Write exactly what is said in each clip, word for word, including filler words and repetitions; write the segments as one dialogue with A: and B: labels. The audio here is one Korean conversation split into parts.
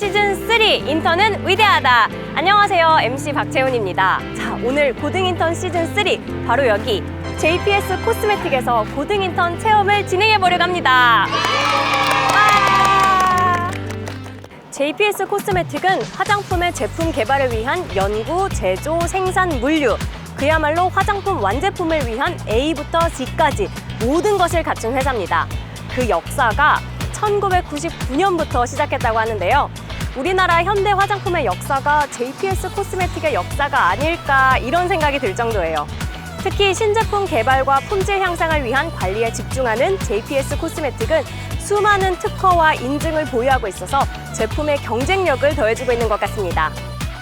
A: 시즌 쓰리 인턴은 위대하다. 안녕하세요, 엠씨 박채훈입니다. 자, 오늘 고등 인턴 시즌 쓰리 바로 여기 제이피에스 코스메틱에서 고등 인턴 체험을 진행해 보려고 합니다. 와! 제이피에스 코스메틱은 화장품의 제품 개발을 위한 연구, 제조, 생산, 물류, 그야말로 화장품 완제품을 위한 A부터 G까지 모든 것을 갖춘 회사입니다. 그 역사가 천구백구십구 년부터 시작했다고 하는데요. 우리나라 현대 화장품의 역사가 제이피에스 코스메틱의 역사가 아닐까 이런 생각이 들 정도예요. 특히 신제품 개발과 품질 향상을 위한 관리에 집중하는 제이피에스 코스메틱은 수많은 특허와 인증을 보유하고 있어서 제품의 경쟁력을 더해주고 있는 것 같습니다.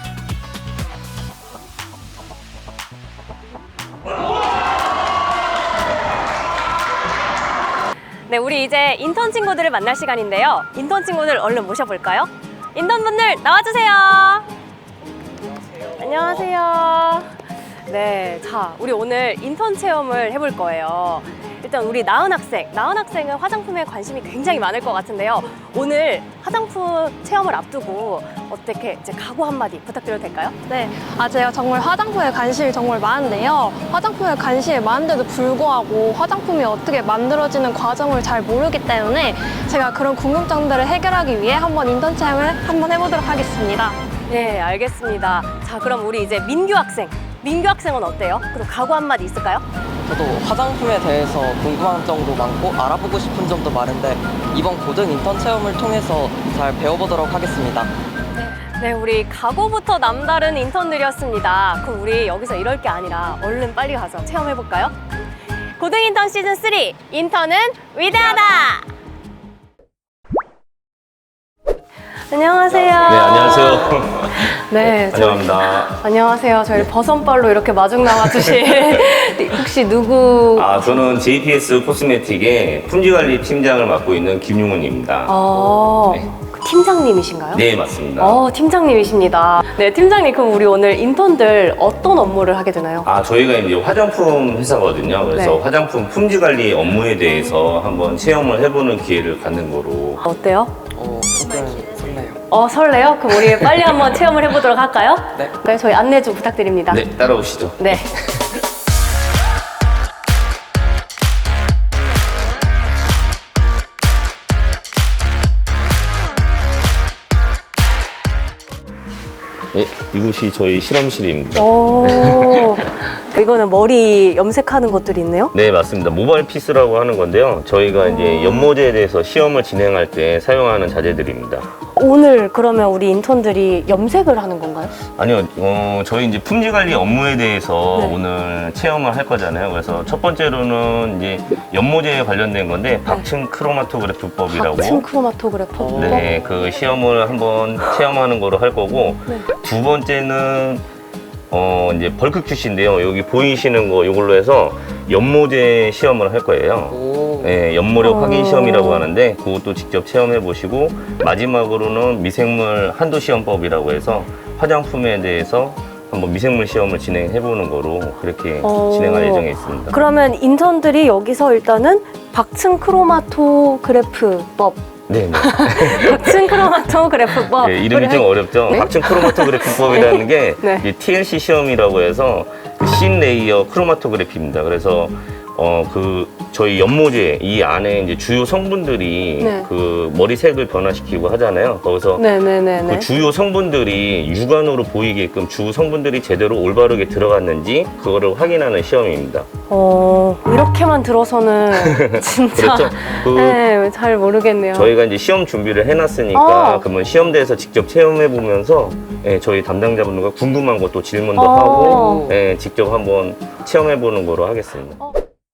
A: 네, 우리 이제 인턴 친구들을 만날 시간인데요. 인턴 친구들 얼른 모셔볼까요? 인턴분들 나와주세요. 안녕하세요. 안녕하세요. 네, 자, 우리 오늘 인턴 체험을 해볼 거예요. 일단 우리 나은 학생, 나은 학생은 화장품에 관심이 굉장히 많을 것 같은데요. 오늘 화장품 체험을 앞두고 어떻게 이제 각오 한마디 부탁드려도 될까요?
B: 네, 아 제가 정말 화장품에 관심이 정말 많은데요. 화장품에 관심이 많은데도 불구하고 화장품이 어떻게 만들어지는 과정을 잘 모르기 때문에 제가 그런 궁금증들을 해결하기 위해 한번 인턴 체험을 한번 해보도록 하겠습니다.
A: 네, 알겠습니다. 자, 그럼 우리 이제 민규 학생, 민규 학생은 어때요? 그럼 각오 한마디 있을까요?
C: 저도 화장품에 대해서 궁금한 점도 많고 알아보고 싶은 점도 많은데 이번 고등 인턴 체험을 통해서 잘 배워보도록 하겠습니다.
A: 네, 우리 각오부터 남다른 인턴들이었습니다. 그럼 우리 여기서 이럴 게 아니라 얼른 빨리 가서 체험해볼까요? 고등 인턴 시즌 쓰리 인턴은 위대하다! 안녕하세요.
D: 네, 안녕하세요.
A: 네, 저-
D: 환영합니다.
A: 안녕하세요. 저희 버선발로 이렇게 마중 나와주신 혹시 누구?
D: 아, 저는 제이피에스 코스메틱의 품질관리 팀장을 맡고 있는 김용훈입니다.
A: 어,
D: 네.
A: 그 팀장님이신가요?
D: 네, 맞습니다.
A: 어, 팀장님이십니다. 네, 팀장님, 그럼 우리 오늘 인턴들 어떤 업무를 하게 되나요?
D: 아, 저희가 이제 화장품 회사거든요. 그래서
A: 네.
D: 화장품 품질관리 업무에 대해서 한번 체험을 해보는 기회를 갖는 거로.
A: 어때요?
C: 어, 조금 설레요.
A: 어, 설레요? 그럼 우리 빨리 한번 체험을 해보도록 할까요?
C: 네.
A: 네, 저희 안내 좀 부탁드립니다.
D: 네, 따라오시죠.
A: 네.
D: 네, 이곳이 저희 실험실입니다.
A: 오, 이거는 머리 염색하는 것들이 있네요?
D: 네, 맞습니다. 모바일 피스라고 하는 건데요. 저희가 이제 연모제에 대해서 시험을 진행할 때 사용하는 자재들입니다.
A: 오늘 그러면 우리 인턴들이 염색을 하는 건가요?
D: 아니요, 어, 저희 이제 품질 관리 업무에 대해서
A: 네.
D: 오늘 체험을 할 거잖아요. 그래서 첫 번째로는 이제 연모제에 관련된 건데 박층 크로마토그래프법이라고.
A: 박층 크로마토그래퍼?
D: 네, 그 시험을 한번 체험하는 거로 할 거고.
A: 네.
D: 두 번째는 어, 이제 벌크 큐시인데요. 여기 보이시는 거 이걸로 해서 연모제 시험을 할 거예요.
C: 오.
D: 네, 연모력
A: 어.
D: 확인 시험이라고 하는데 그것도 직접 체험해 보시고 마지막으로는 미생물 한도 시험법이라고 해서 화장품에 대해서 한번 미생물 시험을 진행해 보는 거로 그렇게
A: 어.
D: 진행할 예정에 있습니다.
A: 그러면 인턴들이 여기서 일단은 박층 크로마토그래프법
D: 네, 네.
A: 박층 크로마토그래프법
D: 네, 이름이 좀 어렵죠.
A: 네?
D: 박층 크로마토그래피법이라는 게
A: 네.
D: 이 티엘씨 시험이라고 해서 그 씬 레이어 크로마토그래피입니다. 그래서 어 그 저희 연모제 이 안에 이제 주요 성분들이
A: 네.
D: 그 머리색을 변화시키고 하잖아요. 거기서
A: 네네네네.
D: 그 주요 성분들이 육안으로 보이게끔 주 성분들이 제대로 올바르게 들어갔는지 그거를 확인하는 시험입니다.
A: 어, 이렇게만 들어서는 진짜
D: 그렇죠? 그
A: 네, 잘 모르겠네요.
D: 저희가 이제 시험 준비를 해놨으니까
A: 어.
D: 그러면 시험대에서 직접 체험해 보면서 예, 저희 담당자분들과 궁금한 것도 질문도
A: 어.
D: 하고 예, 직접 한번 체험해 보는 거로 하겠습니다.
A: 어.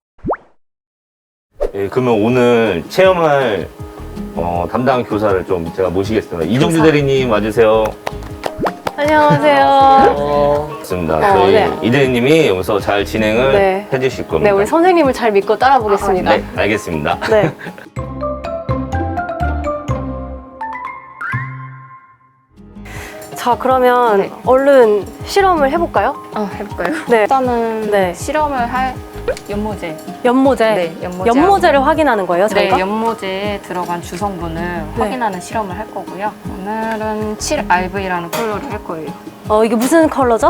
D: 예, 그러면 오늘 체험할 어, 담당 교사를 좀 제가 모시겠습니다. 이정주 대리님 와주세요.
A: 안녕하세요.
C: 어,
D: 맞습니다.
A: 어,
D: 저희
A: 네.
D: 이 대리님이 여기서 잘 진행을
A: 네.
D: 해주실 겁니다.
A: 네, 우리 선생님을 잘 믿고 따라 보겠습니다.
D: 네, 알겠습니다.
A: 네. 자, 그러면
B: 네.
A: 얼른 실험을 해볼까요?
B: 어, 해볼까요?
A: 네.
B: 일단은
A: 네.
B: 실험을 할
E: 연모제.
A: 연모제.
E: 네, 연모제.
A: 연모제를 확인하는 거예요, 저희가?
E: 네, 연모제에 들어간 주성분을 확인하는 실험을 할 거고요. 오늘은 칠 알브이라는 컬러를 할 거예요.
A: 어, 이게 무슨 컬러죠?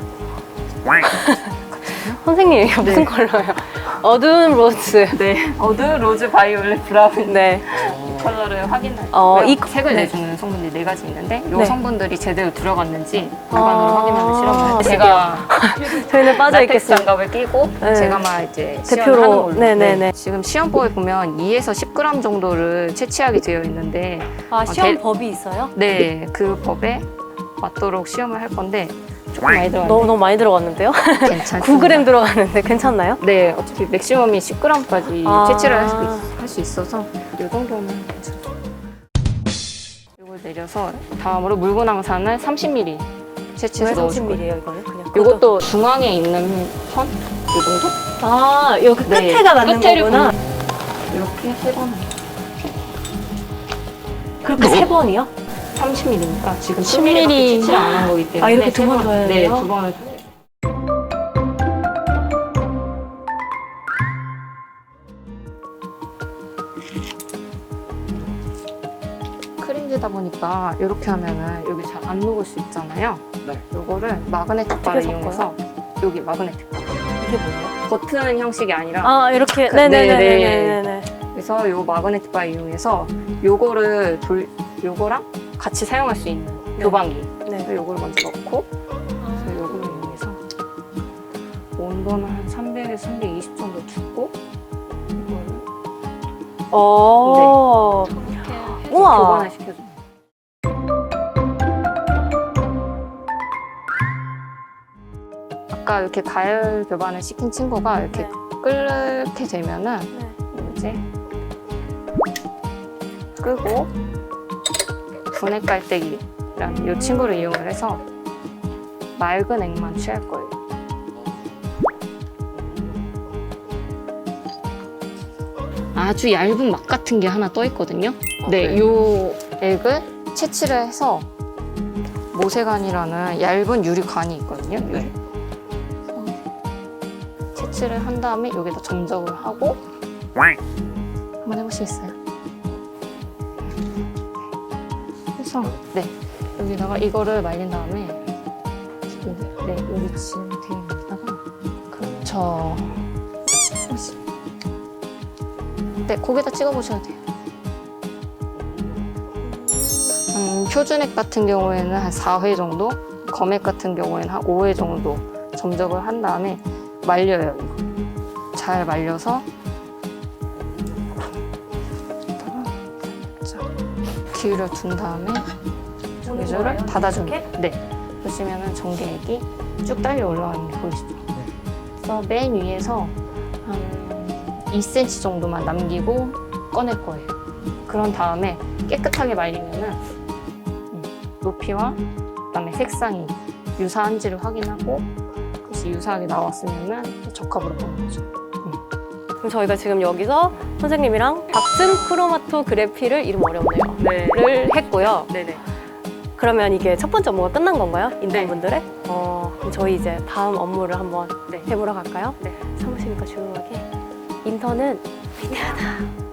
A: 선생님, 이게 무슨 컬러예요? 어두운 로즈.
E: 네, 어두 로즈 바이올렛 브라운.
A: 네.
E: 이 컬러를 확인할
A: 어,
E: 거고요.
A: 이
E: 색을
A: 네.
E: 내주는 성분들이 네 가지 있는데 이
A: 네.
E: 성분들이 제대로 들어갔는지 물건으로
A: 아,
E: 확인하는 실험을
A: 그래요?
E: 제가
A: 저희는 빠져
E: 라텍스
A: 있겠습니다.
E: 장갑을 끼고
A: 네.
E: 제가만 이제
A: 대표로.
E: 시연을 하는 걸로.
A: 네네네.
E: 지금 시험법에 보면 이에서 십 그램 정도를 채취하게 되어 있는데
A: 아, 시험
E: 대-
A: 법이 있어요?
E: 네, 그 법에 맞도록 시험을 할 건데 조금 많이 들어갔는데
A: 너무, 너무 많이 들어갔는데요?
E: 괜찮습니다.
A: 구 그램 들어갔는데 괜찮나요?
E: 네, 어차피 맥시멈이 십 그램까지
A: 아.
E: 채취를 할 수, 할 수 있어서 이 정도면 괜찮아요. 이걸 내려서 다음으로 묽은황산을 삼십 밀리리터 채취해서
A: 왜
E: 넣어줄
A: 삼십
E: 거예요.
A: 밀리리터예요, 이거는? 그냥.
E: 이것도 중앙에 있는 선? 이 정도?
A: 아, 여기
E: 네,
A: 끝에가 맞는
E: 끝에를
A: 거구나.
E: 보면 이렇게 세 번.
A: 그렇게 세 번이요?
E: 삼십 밀리리터니까 지금
A: 십
E: 십 밀리리터
A: 밀리리터.
E: 채취를 안 한 거기 때문에
A: 아, 이렇게
E: 세
A: 두번
E: 번-
A: 줘야
E: 네,
A: 돼요?
E: 두 번을 줘야 돼요. 크림지다 보니까 이렇게 하면은 여기 잘 안 녹을 수 있잖아요.
C: 네.
E: 요거를 마그네틱 바를
A: 어떻게
E: 이용해서 여기 마그네틱 바.
A: 이게 뭐예요?
E: 버튼 형식이 아니라
A: 아, 이렇게.
E: 그-
A: 네네네네네.
E: 그래서 요 마그네틱 바 이용해서 요거를 돌 요거랑 같이 사용할 수 있는
A: 네.
E: 교반기.
A: 네.
E: 그래서 요거를 먼저 넣고 그래서 요거를 이용해서 온도는 한 삼백에서 삼백이십 정도 두고 이거를
A: 어. 우와.
E: 교반을 시켜줘요. 아까 이렇게 가열 교반을 시킨 친구가 이렇게
A: 네.
E: 끓게 되면은
A: 네.
E: 이제 끄고 분해 깔때기라는 이 친구를 이용을 해서 맑은 액만 취할 거예요. 아주 얇은 막 같은 게 하나 떠 있거든요. 네, 이 액을 채취를 해서 모세관이라는 얇은 유리관이 있거든요. 유리. 그래서 채취를 한 다음에 여기다 점적을 하고 한번 해보시겠어요? 그래서 네 여기다가 이거를 말린 다음에 여기, 네 여기 지금 되어 있다가 그렇죠. 네 거기다 찍어 보셔도 돼요. 음, 표준액 같은 경우에는 한 사 회 정도, 검액 같은 경우에는 한 오 회 정도 점적을 한 다음에 말려요. 이거 잘 말려서 기울여 둔 다음에 조개줄을 닫아줍니다. 네. 보시면은 전기액이 쭉 딸려 올라가는 게 보이시죠? 그래서 맨 위에서 한 이 센티미터 정도만 남기고 꺼낼 거예요. 그런 다음에 깨끗하게 말리면은 음, 높이와 그다음에 색상이 유사한지를 확인하고 그것이 유사하게 나왔으면은 적합으로 보는 거죠.
A: 그럼 저희가 지금 여기서 선생님이랑 박증 크로마토그래피를 이름 어렵네요. 를 했고요.
E: 네네.
A: 그러면 이게 첫 번째 업무가 끝난 건가요?
E: 네.
A: 인턴분들의? 어, 그럼 저희 이제 다음 업무를 한번
E: 네.
A: 해보러 갈까요?
E: 네.
A: 사무실이니까 조용하게. 인턴은 위대하다.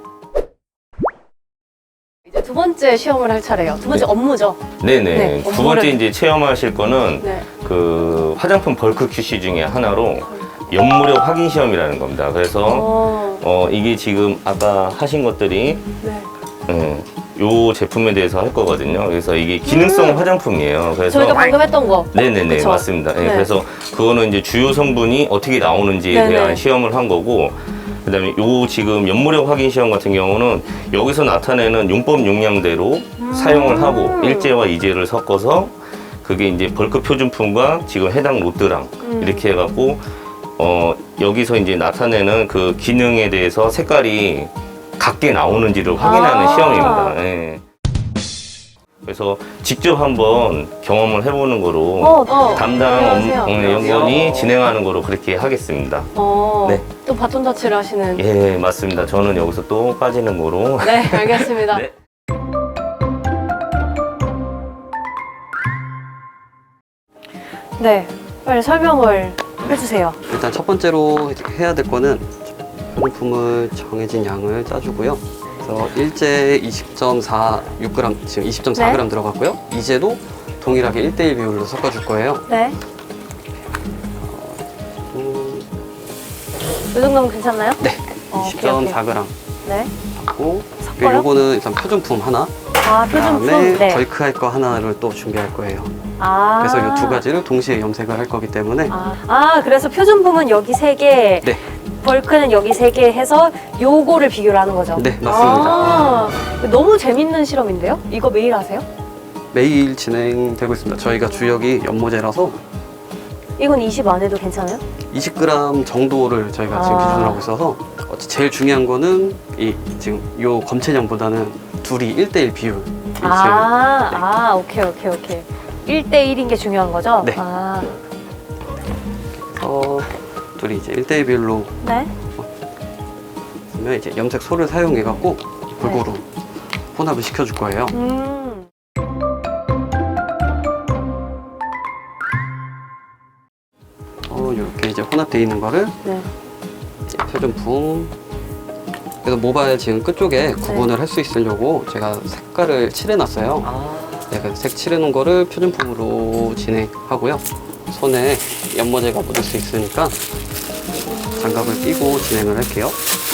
A: 이제 두 번째 시험을 할 차례예요. 두 번째
D: 네.
A: 업무죠.
D: 네네.
A: 네,
D: 두
A: 업무를-
D: 번째 이제 체험하실 거는
A: 네.
D: 그 화장품 벌크 큐시 중에 하나로 연무력 확인 시험이라는 겁니다. 그래서
A: 어,
D: 어, 이게 지금 아까 하신 것들이
A: 네.
D: 예, 요 제품에 대해서 할 거거든요. 그래서 이게 기능성 화장품이에요. 그래서
A: 저희가 방금 했던 거.
D: 네네네
A: 그쵸?
D: 맞습니다. 예,
A: 네.
D: 그래서 그거는 이제 주요 성분이 어떻게 나오는지에
A: 네네.
D: 대한 시험을 한 거고, 그다음에 요 지금 연무력 확인 시험 같은 경우는 여기서 나타내는 용법 용량대로
A: 음.
D: 사용을 하고 일제와 이제를 섞어서 그게 이제 벌크 표준품과 지금 해당 롯드랑
A: 음.
D: 이렇게 해갖고 어 여기서 이제 나타내는 그 기능에 대해서 색깔이 같게 나오는지를 확인하는
A: 아.
D: 시험입니다. 예. 그래서 직접 한번 경험을 해보는 거로
A: 어, 어.
D: 담당
A: 안녕하세요.
D: 업- 어, 연구원이 진행하는 거로 그렇게 하겠습니다.
A: 어,
D: 네.
A: 또 바톤 터치를 하시는.
D: 예, 맞습니다. 저는 여기서 또 빠지는 거로.
A: 네, 알겠습니다.
D: 네.
A: 네, 빨리 설명을 해주세요.
F: 일단 첫 번째로 해야 될 거는 화장품을 정해진 양을 짜주고요. 그래서 일제 이십 점 사육 그램, 지금 이십 점 사 그램
A: 네.
F: 들어갔고요. 이제도 동일하게 일 대 일 비율로 섞어줄 거예요.
A: 네.
F: 음,
A: 이 정도면 괜찮나요?
F: 네,
A: 어,
F: 이십 점
A: 오케이,
F: 사 그램
A: 네.
F: 하고
A: 섞어요?
F: 요거는 일단 표준품 하나,
A: 아, 표준품.
F: 그다음에
A: 네.
F: 벌크할 거 하나를 또 준비할 거예요.
A: 아.
F: 그래서 이 두 가지를 동시에 염색을 할 거기 때문에
A: 아, 아, 그래서 표준품은 여기 세 개,
F: 네,
A: 벌크는 여기 세 개 해서 요거를 비교를 하는 거죠?
F: 네, 맞습니다.
A: 아, 너무 재밌는 실험인데요? 이거 매일 하세요?
F: 매일 진행되고 있습니다. 저희가 주역이 연모제라서
A: 이건 이십 안 해도 괜찮아요?
F: 이십 그램 정도를 저희가 지금
A: 아.
F: 기준으로 하고 있어서 어, 제일 중요한 거는 이 지금 요 검체량보다는 둘이 일 대 일 비율.
A: 아, 아, 오케이, 오케이, 오케이. 일 대 일인 게 중요한 거죠?
F: 네.
A: 아,
F: 어, 둘이 이제 일 대 일 비율로
A: 네.
F: 하면 이제 염색소를 사용해 갖고 골고루
A: 네.
F: 혼합을 시켜줄 거예요.
A: 음.
F: 어, 이렇게 이제 혼합되어 있는 거를
A: 네.
F: 이제 표준품. 그래서 모바일 지금 끝쪽에 구분을 할 수 있으려고 제가 색깔을 칠해놨어요.
C: 아,
F: 네, 그 색 칠해놓은 거를 표준품으로 진행하고요. 손에 연모제가 묻을 수 있으니까 장갑을 끼고 진행을 할게요.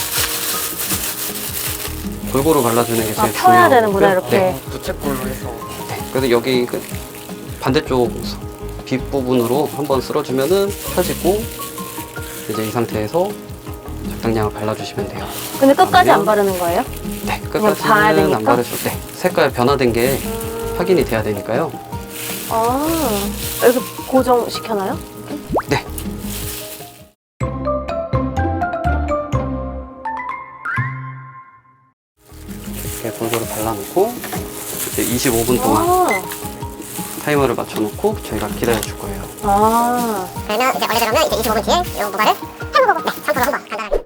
F: 골고루 발라주는 게
A: 아,
F: 제일
A: 펴야
F: 중요하고요.
A: 되는구나, 이렇게.
F: 네.
C: 부채꼴로 해서.
F: 네. 그래서 여기 그 반대쪽 빗 부분으로 한번 쓸어주면은 펴지고 이제 이 상태에서 적당량을 발라주시면 돼요.
A: 근데 끝까지 안
F: 그러면-
A: 바르는 거예요?
F: 네,
A: 그냥 봐야
F: 끝까지는
A: 되니까?
F: 안 바르셔도 돼. 색깔 변화된 게 확인이 돼야 되니까요.
A: 아, 이렇게 고정시켜놔요?
F: 네. 이렇게 골고루 발라놓고 이제 이십오 분 동안
A: 아,
F: 타이머를 맞춰놓고 저희가 기다려줄 거예요.
A: 아.
G: 그러면 이제 원래대로면 이제 이십오 분 뒤에 이 모발을 헹구고 네, 샴푸로 한번 간단하게.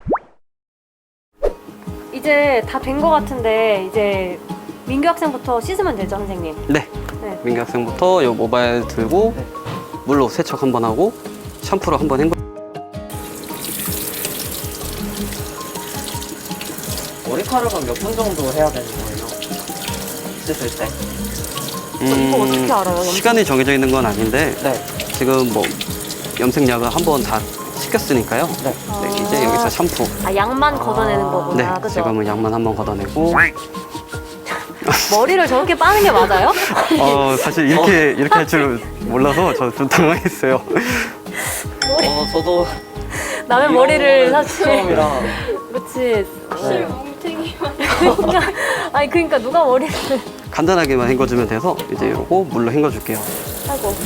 A: 이제 다 된 거 같은데 이제 민규 학생부터 씻으면 되죠, 선생님?
F: 네.
A: 네.
F: 민규 학생부터 이 모바일 들고
C: 네.
F: 물로 세척 한번 하고 샴푸로 한번 헹궈.
C: 머리카락은 몇 분 정도 해야 되는 거예요? 씻을 때?
A: 이거 어떻게 알아요, 염색?
F: 음, 시간이 정해져 있는 건 아닌데
C: 네.
F: 지금 뭐 염색약을 한번 다 시켰으니까요.
C: 네.
F: 네, 이제 여기서 샴푸.
A: 아, 양만 걷어내는 거구나,
F: 네,
A: 그죠?
F: 지금은 양만 한번 걷어내고.
A: 머리를 저렇게 빠는 게 맞아요?
F: 어, 사실 이렇게 이렇게 할 줄 몰라서 저 좀 당황했어요.
C: 어, 저도
A: 남의
C: 이런
A: 머리를
C: 거는
A: 사실
C: 처음이라.
A: 그렇지.
C: 네.
A: 그러니까 아니 그러니까 누가 머리를
F: 간단하게만 헹궈주면 돼서 이제 이러고 물로 헹궈줄게요.
A: 하고.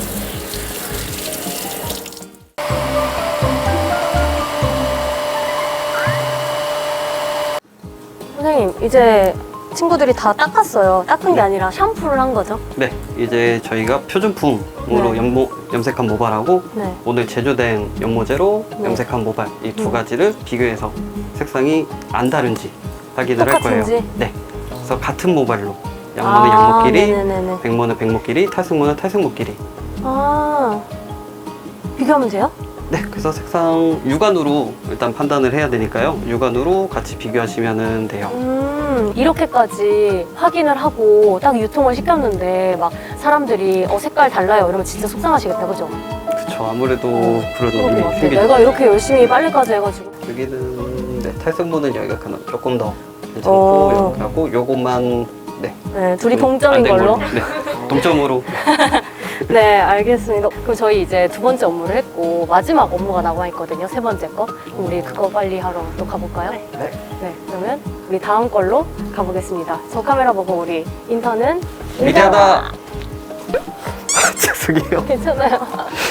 A: 선생님 이제 친구들이 다 닦았어요. 닦은 게 아니라 샴푸를 한 거죠?
F: 네, 이제 저희가 표준품으로
A: 네.
F: 염모, 염색한 모발하고
A: 네.
F: 오늘 제조된 연모제로
A: 네.
F: 염색한 모발 이 두
A: 음.
F: 가지를 비교해서 색상이 안 다른지 확인을 할 거예요.
A: 똑같은지?
F: 네, 그래서 같은 모발로 양모는
A: 아,
F: 양모끼리,
A: 네네네네.
F: 백모는 백모끼리, 탈색모는 탈색모끼리.
A: 아 비교하면 돼요?
F: 네, 그래서 색상 육안으로 일단 판단을 해야 되니까요. 육안으로 같이 비교하시면 돼요.
A: 음, 이렇게까지 확인을 하고 딱 유통을 시켰는데 막 사람들이 어 색깔 달라요 이러면 진짜 속상하시겠다, 그죠?
F: 그쵸, 아무래도 그런
A: 그런 것
F: 의미
A: 같아.
F: 생기죠.
A: 내가 이렇게 열심히 빨래까지 해가지고.
F: 여기는 네, 탈색모는 여기가 그나마 조금 더
A: 어.
F: 괜찮고 이렇게 하고 요것만 네,
A: 네, 둘이
F: 안
A: 동점인
F: 된
A: 걸로.
F: 네, 동점으로.
A: 네, 알겠습니다. 그럼 저희 이제 두 번째 업무를 했고 마지막 업무가 남아 있거든요. 세 번째 거. 그럼 우리 그거 빨리 하러 또 가볼까요?
C: 네.
A: 네, 그러면 우리 다음 걸로 가보겠습니다. 저 카메라 보고 우리 인턴은
F: 위대하다. 죄송해요.
A: 괜찮아요.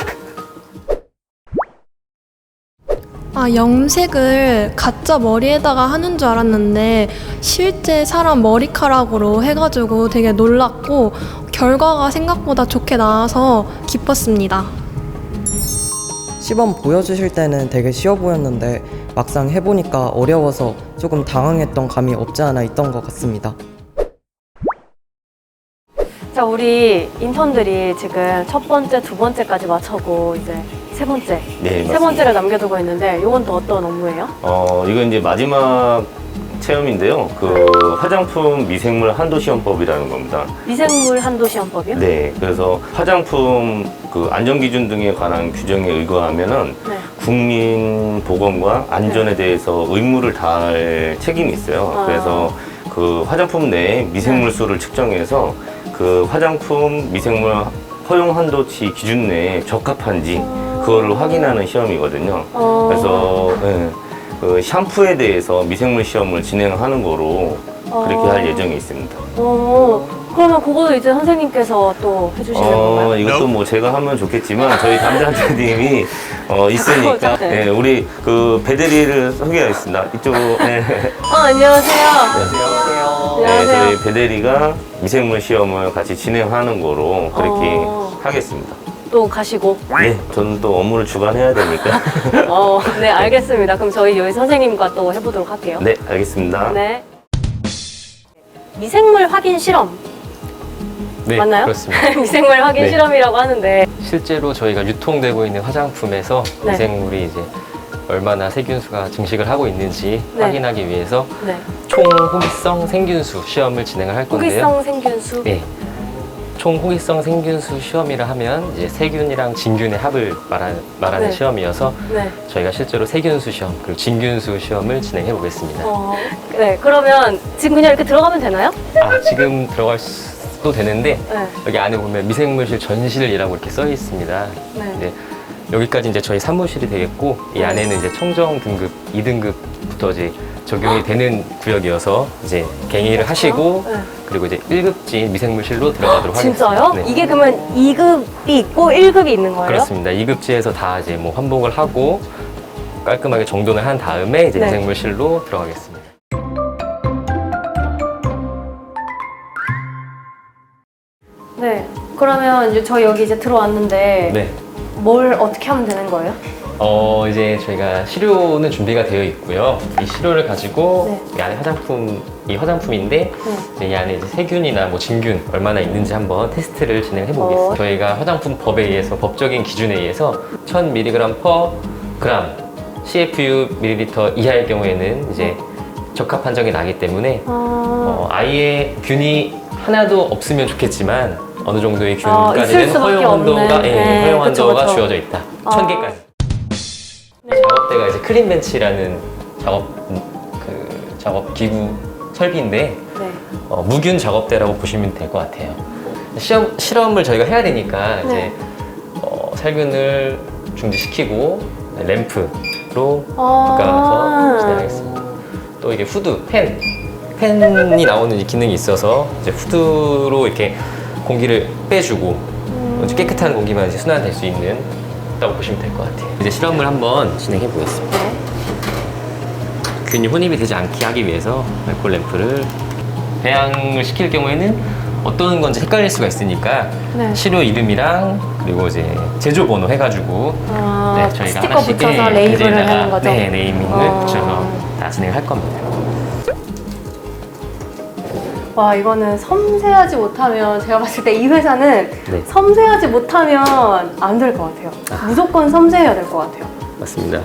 B: 아, 염색을 가짜 머리에다가 하는 줄 알았는데 실제 사람 머리카락으로 해가지고 되게 놀랐고 결과가 생각보다 좋게 나와서 기뻤습니다.
H: 시범 보여주실 때는 되게 쉬워 보였는데 막상 해보니까 어려워서 조금 당황했던 감이 없지 않아 있던 것 같습니다.
A: 자, 우리 인턴들이 지금 첫 번째, 두 번째까지 맞춰고 이제 세 번째.
D: 네,
A: 세
D: 맞습니다.
A: 번째를 남겨두고 있는데 이건 또 어떤 업무예요?
D: 어, 이건 이제 마지막 체험인데요. 그 화장품 미생물 한도 시험법이라는 겁니다.
A: 미생물 한도 시험법이요?
D: 네, 그래서 화장품 그 안전 기준 등에 관한 규정에 의거하면은
A: 네.
D: 국민 보건과 안전에 대해서 의무를 다할 책임이 있어요.
A: 아.
D: 그래서 그 화장품 내에 미생물 수를 측정해서 그 화장품 미생물 허용 한도치 기준 내에 적합한지 그거를 확인하는 시험이거든요.
A: 어.
D: 그래서 예, 그 샴푸에 대해서 미생물 시험을 진행하는 거로 그렇게
A: 어.
D: 할 예정이 있습니다.
A: 어, 그러면 그거도 이제 선생님께서 또 해주시는
D: 어,
A: 건가요?
D: 이것도 뭐 제가 하면 좋겠지만 저희 담당자님이 어, 있으니까
A: 네.
D: 예, 우리 그 배대리를 소개하겠습니다. 이쪽으로. 예.
A: 어, 안녕하세요.
C: 안녕하세요.
D: 네,
A: 안녕하세요.
D: 저희 배대리가 미생물 시험을 같이 진행하는 거로 그렇게
A: 어.
D: 하겠습니다.
A: 또 가시고.
D: 네, 저는 또 업무를 주관해야 되니까.
A: 어, 네, 알겠습니다. 그럼 저희 여기 선생님과 또 해보도록 할게요.
D: 네, 알겠습니다.
A: 네. 미생물 확인 실험
I: 네,
A: 맞나요?
I: 그렇습니다.
A: 미생물 확인
I: 네.
A: 실험이라고 하는데
I: 실제로 저희가 유통되고 있는 화장품에서
A: 네.
I: 미생물이 이제 얼마나 세균수가 증식을 하고 있는지
A: 네.
I: 확인하기 위해서
A: 네.
I: 총호기성 생균수 시험을 진행을 할 건데요.
A: 호기성 생균수.
I: 네. 총호기성 생균수 시험이라 하면 이제 세균이랑 진균의 합을 말하는, 말하는
A: 네.
I: 시험이어서
A: 네.
I: 저희가 실제로 세균수 시험 그리고 진균수 시험을 진행해 보겠습니다.
A: 어, 네. 그러면 지금 그냥 이렇게 들어가면 되나요?
I: 아, 지금 들어갈 수도 되는데
A: 네.
I: 여기 안에 보면 미생물실 전실이라고 이렇게 써 있습니다.
A: 네.
I: 네, 여기까지 이제 저희 사무실이 되겠고 이
A: 네.
I: 안에는 이제 청정 등급 이 등급부터 이제 적용이 되는 구역이어서 이제 갱의를 하시고
A: 네.
I: 그리고 이제 일 급지 미생물실로 들어가도록
A: 진짜요?
I: 하겠습니다. 네.
A: 이게 그러면 이 급이 있고 일 급이 있는 거예요?
I: 그렇습니다. 이 급지에서 다 이제 뭐 환복을 하고 깔끔하게 정돈을 한 다음에 이제
A: 네.
I: 미생물실로 들어가겠습니다.
A: 네. 그러면 이제 저희 여기 이제 들어왔는데
I: 네.
A: 뭘 어떻게 하면 되는 거예요?
I: 어, 이제 저희가 시료는 준비가 되어 있고요. 이 시료를 가지고
A: 네.
I: 이 안에 화장품, 이 화장품인데
A: 네.
I: 이제 이 안에 이제 세균이나 뭐 진균 얼마나 있는지 한번 테스트를 진행해 보겠습니다.
A: 어.
I: 저희가 화장품 법에 의해서 법적인 기준에 의해서 천 밀리그램 퍼 그램 씨에프유 밀리리터 이하의 경우에는 이제 적합 판정이 나기 때문에
A: 어...
I: 어, 아예 균이 하나도 없으면 좋겠지만 어느 정도의
A: 어, 있을
I: 균까지는
A: 수밖에
I: 허용 한도가
A: 없는.
I: 예,
A: 네,
I: 허용
A: 그쵸,
I: 한도가
A: 그쵸.
I: 주어져 있다.
A: 어.
I: 천 개까지. 작업대가 이제 크림벤치라는 작업 그 작업 기구 설비인데
A: 네.
I: 어, 무균 작업대라고 보시면 될 것 같아요. 시험 실험을 저희가 해야 되니까 이제
A: 네.
I: 어, 살균을 중지시키고 램프로
A: 아.
I: 바꿔서 진행하겠습니다. 또 이게 후드, 팬, 팬이 나오는 이 기능이 있어서 이제 후드로 이렇게 공기를 빼주고
A: 음.
I: 깨끗한 공기만 이제 순환될 수 있는 다고 보시면 될 것 같아요. 이제 실험을 한번 진행해 보겠습니다.
A: 네.
I: 균이 혼입이 되지 않게 하기 위해서 알코올 램프를 배양을 시킬 경우에는 어떤 건지 헷갈릴 수가 있으니까
A: 네.
I: 시료 이름이랑 그리고 이제 제조 번호 해가지고
A: 아,
I: 네, 저희가
A: 스티커
I: 하나씩
A: 붙여서
I: 예,
A: 레이블을
I: 베이지에다가,
A: 하는 거죠?
I: 네, 네이밍을
A: 어.
I: 붙여서 다 진행을 할 겁니다.
A: 와, 이거는 섬세하지 못하면 제가 봤을 때 이 회사는
I: 네.
A: 섬세하지 못하면 안 될 것 같아요. 무조건 섬세해야 될 것 같아요.
I: 맞습니다.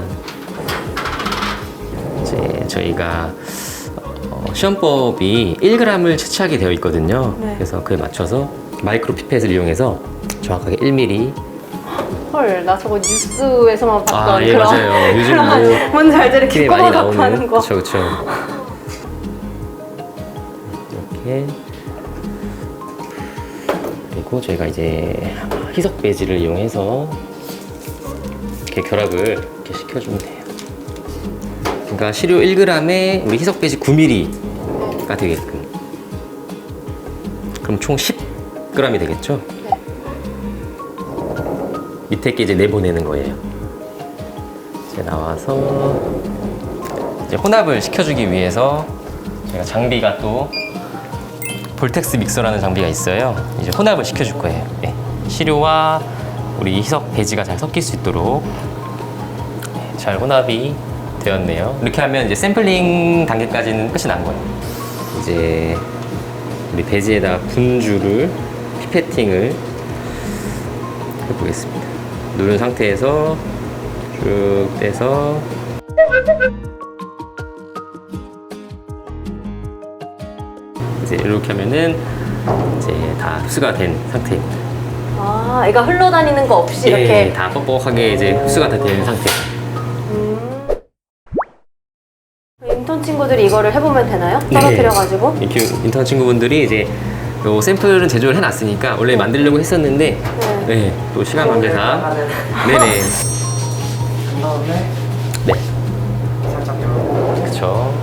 I: 이제 저희가 어, 시험법이 일 그램을 채취하게 되어 있거든요.
A: 네.
I: 그래서 그에 맞춰서 마이크로 피펫을 이용해서 정확하게 일 밀리리터.
A: 헐, 나 저거 뉴스에서만 봤던
I: 아, 예,
A: 그런
I: 맞아요. 요즘
A: 그런
I: 뭐
A: 뭔지 알죠? 이렇게
I: TV에 많이
A: 꼬박꼬박 하는
I: 나오는
A: 거.
I: 그렇죠, 그렇죠. 이렇게 그리고 저희가 이제 희석 배지를 이용해서 이렇게 결합을 이렇게 시켜주면 돼요. 그러니까 시료 일 그램에 우리 희석 배지 구 밀리리터가 되게끔. 그럼 총 십 그램이 되겠죠?
A: 네.
I: 밑에 게 이제 내보내는 거예요. 이제 나와서 이제 혼합을 시켜주기 위해서 저희가 장비가 또 볼텍스 믹서라는 장비가 있어요. 이제 혼합을 시켜줄 거예요. 네. 시료와 우리 희석 배지가 잘 섞일 수 있도록 네, 잘 혼합이 되었네요. 이렇게 하면 이제 샘플링 단계까지는 끝이 난 거예요. 이제 우리 배지에다가 분주를 피페팅을 해보겠습니다. 누른 상태에서 쭉 떼서 이제 이렇게 하면은 이제 다 흡수가 된 상태입니다.
A: 아, 애가 흘러다니는 거 없이
I: 예,
A: 이렇게.
I: 다 뻑뻑하게 이제 흡수가 다 된 상태.
A: 음. 인턴 친구들이 이거를 해보면 되나요?
I: 네.
A: 떨어뜨려가지고.
I: 이 교- 인턴 친구분들이 이제 요 샘플은 제조를 해놨으니까 원래 만들려고 했었는데
A: 네.
I: 네, 또 시간 관계상 네네
C: 그 다음에
I: 네
C: 살짝 이렇게.
I: 그쵸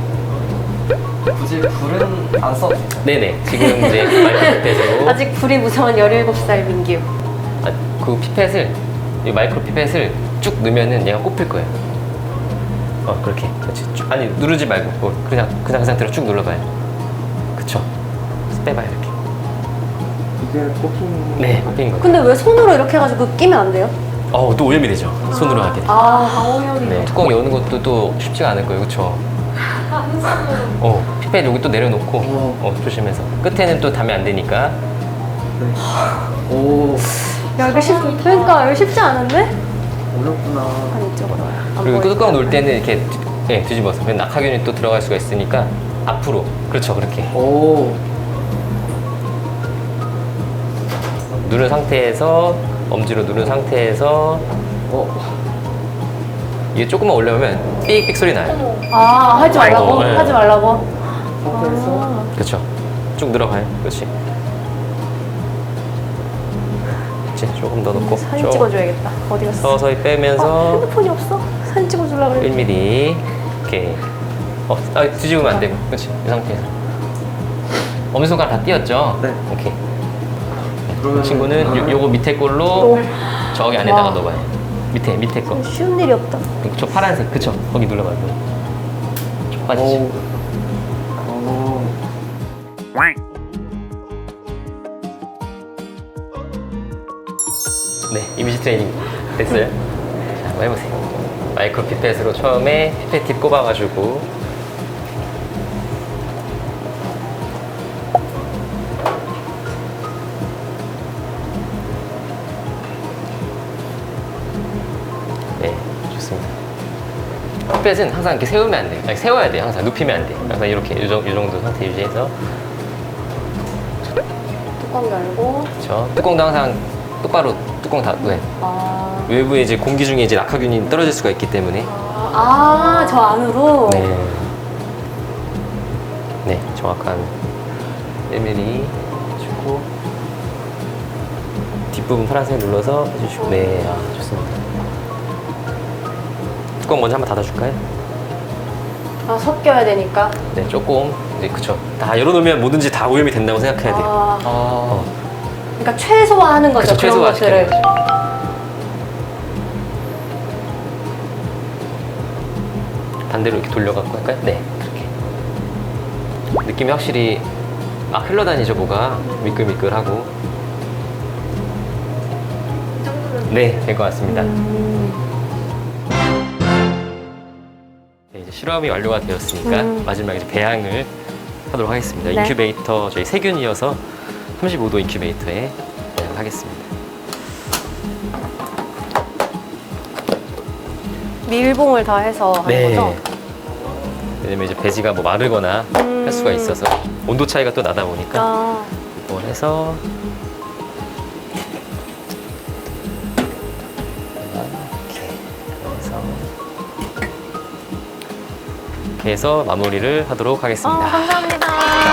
C: 굳이 불은 안 써도 돼요.
I: 네네 지금 이제 마이크로 피펫으로
A: 아직 불이 무서운 열일곱 살 민규.
I: 아, 그 피펫을 이 마이크로 피펫을 쭉 넣으면은 얘가 꼽힐 거예요. 어 그렇게 그렇지 쭉, 아니 누르지 말고 그걸 그냥 그냥 그 상태로 쭉 눌러봐요. 그쵸 빼봐요 이렇게.
C: 이게 꼽히는
I: 네 꼽힌 거.
A: 근데 왜 손으로 이렇게 해가지고 끼면 안 돼요?
I: 어또 오염이 되죠. 손으로 하게 돼.
A: 아, 오염이.
I: 네, 뚜껑 여는 것도 또 쉽지가 않을 거예요, 그렇죠? 어, 피펫 여기 또 내려놓고 어, 조심해서 끝에는 또 닿으면 안 되니까.
C: 오,
A: 야, 이거 쉽, 그러니까 이거 쉽지 않은데?
C: 어렵구나.
A: 한 이쪽으로 와요. 안
I: 그리고
A: 보이게.
I: 뚜껑 놓을 때는 이렇게 뒤, 네, 뒤집어서 그냥 낙하균이 또 들어갈 수가 있으니까 앞으로 그렇죠, 그렇게
C: 오,
I: 누른 상태에서 엄지로 누른 상태에서
C: 어,
I: 이게 조금만 올라오면 삑삑 소리 나요.
A: 아, 하지 말라고?
I: 어, 네.
A: 하지 말라고?
C: 상태에서
I: 그렇죠. 쭉 들어가요, 그렇지. 그렇지, 조금 더 넣고
A: 사진
I: 쭉
A: 찍어줘야겠다. 어디 갔어?
I: 서서히
A: 아,
I: 빼면서
A: 핸드폰이 없어? 사진 찍어주려고 그랬는데.
I: 일 밀리미터 이렇게 어, 아, 뒤집으면 안 되고 그렇지 이 상태에서 엄지손가락 다 띄었죠?
C: 네.
I: 오케이
C: 그러면
I: 이 친구는 요, 요거 밑에 걸로
A: 또.
I: 저기 안에다가
A: 와.
I: 넣어봐요 밑에 밑에 거
A: 쉬운 일이 없다.
I: 저 파란색 그쵸? 거기 눌러봐요 쭉 빠지죠
C: 오,
I: 네 이미지 트레이닝 됐어요? 자 한번 해보세요 마이크로 피펫으로 처음에 피펫 팁 꼽아가지고 네, 좋습니다. 햇볕은 항상 이렇게 세우면 안 돼요. 아니, 세워야 돼요. 항상 눕히면 안 돼요. 항상 이렇게 이 정도, 이 정도 상태 유지해서
A: 뚜껑 열고.
I: 그렇죠. 뚜껑도 항상 똑바로 뚜껑 닫고요.
A: 아,
I: 외부에 이제 공기 중에 이제 낙하균이 떨어질 수가 있기 때문에
A: 아, 저 안으로?
I: 네, 네 정확한 일 밀리미터 주고 뒷부분 파란색 눌러서 해주시고 네, 아, 좋습니다. 뚜껑 먼저 한번 닫아줄까요?
A: 아, 섞여야 되니까.
I: 네, 조금 이제 그쵸. 다 열어놓으면 뭐든지 다 오염이 된다고 생각해야 돼요.
A: 아,
I: 어,
A: 그러니까 최소화하는 거죠.
I: 그쵸,
A: 그런
I: 최소화
A: 것들을.
I: 시키는 거죠. 반대로 이렇게 돌려갖고 할까요? 네, 그렇게. 느낌이 확실히 아 흘러다니죠, 뭐가 미끌미끌하고. 네, 될 것 같습니다. 네, 이제 실험이 완료가 되었으니까
A: 음.
I: 마지막 이제 배양을 하도록 하겠습니다.
A: 네.
I: 인큐베이터 저희 세균이어서 삼십오 도 인큐베이터에 배양을 하겠습니다.
A: 밀봉을 다 해서 하는 거죠?
I: 왜냐면 이제 배지가 뭐 마르거나
A: 음.
I: 할 수가 있어서 온도 차이가 또 나다 보니까
A: 아,
I: 이걸 해서 이렇게 해서 이렇게 해서 마무리를 하도록
A: 아,
I: 하겠습니다.
A: 감사합니다.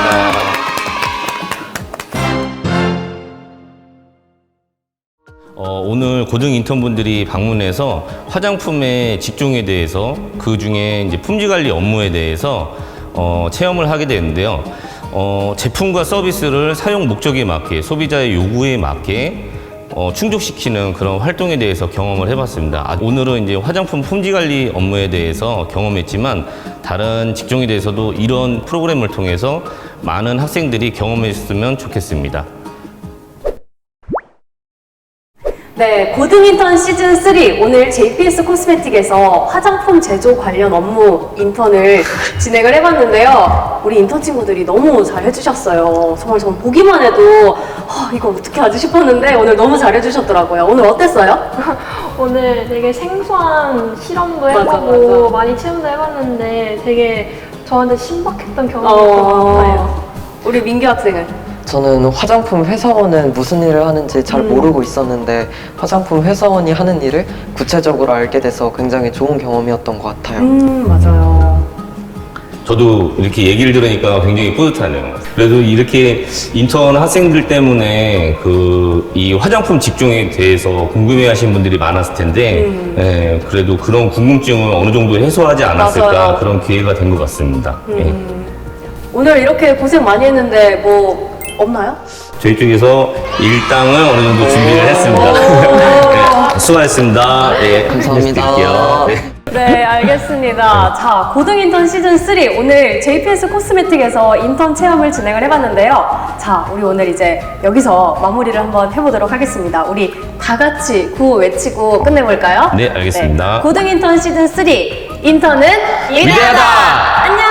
D: 어, 오늘 고등 인턴분들이 방문해서 화장품의 직종에 대해서 그 중에 이제 품질 관리 업무에 대해서 어, 체험을 하게 되는데요. 어, 제품과 서비스를 사용 목적에 맞게 소비자의 요구에 맞게 어, 충족시키는 그런 활동에 대해서 경험을 해봤습니다. 아, 오늘은 이제 화장품 품질 관리 업무에 대해서 경험했지만 다른 직종에 대해서도 이런 프로그램을 통해서 많은 학생들이 경험했으면 좋겠습니다.
A: 네, 고등 인턴 시즌 삼 오늘 제이피에스 코스메틱에서 화장품 제조 관련 업무 인턴을 진행을 해봤는데요. 우리 인턴 친구들이 너무 잘해주셨어요. 정말 전 보기만 해도 아, 이거 어떻게 하지 싶었는데 오늘 너무 잘해주셨더라고요. 오늘 어땠어요?
B: 오늘 되게 생소한 실험도
A: 맞아,
B: 해보고
A: 맞아.
B: 많이 체험도 해봤는데 되게 저한테 신박했던 경험이었던 것 같아요.
A: 어, 우리 민규 학생은?
H: 저는 화장품 회사원은 무슨 일을 하는지 잘
A: 음.
H: 모르고 있었는데 화장품 회사원이 하는 일을 구체적으로 알게 돼서 굉장히 좋은 경험이었던 것 같아요.
A: 음, 맞아요.
D: 저도 이렇게 얘기를 들으니까 굉장히 뿌듯하네요. 그래도 이렇게 인턴 학생들 때문에 그 이 화장품 직종에 대해서 궁금해하신 분들이 많았을 텐데,
A: 음.
D: 예, 그래도 그런 궁금증을 어느 정도 해소하지 않았을까
A: 맞아요.
D: 그런 기회가 된 것 같습니다. 예.
A: 음. 오늘 이렇게 고생 많이 했는데 뭐 없나요?
D: 저희 쪽에서 일당을 어느 정도 준비를 했습니다. 네, 수고하셨습니다. 네,
H: 감사합니다.
D: 드릴게요. 네.
A: 네, 알겠습니다. 자, 고등 인턴 시즌 삼 오늘 제이피에스 코스메틱에서 인턴 체험을 진행을 해봤는데요. 자, 우리 오늘 이제 여기서 마무리를 한번 해보도록 하겠습니다. 우리 다 같이 구호 외치고 끝내볼까요?
D: 네, 알겠습니다.
A: 고등 인턴 시즌 삼 인턴은 위대하다.
D: 위대하다!
A: 안녕.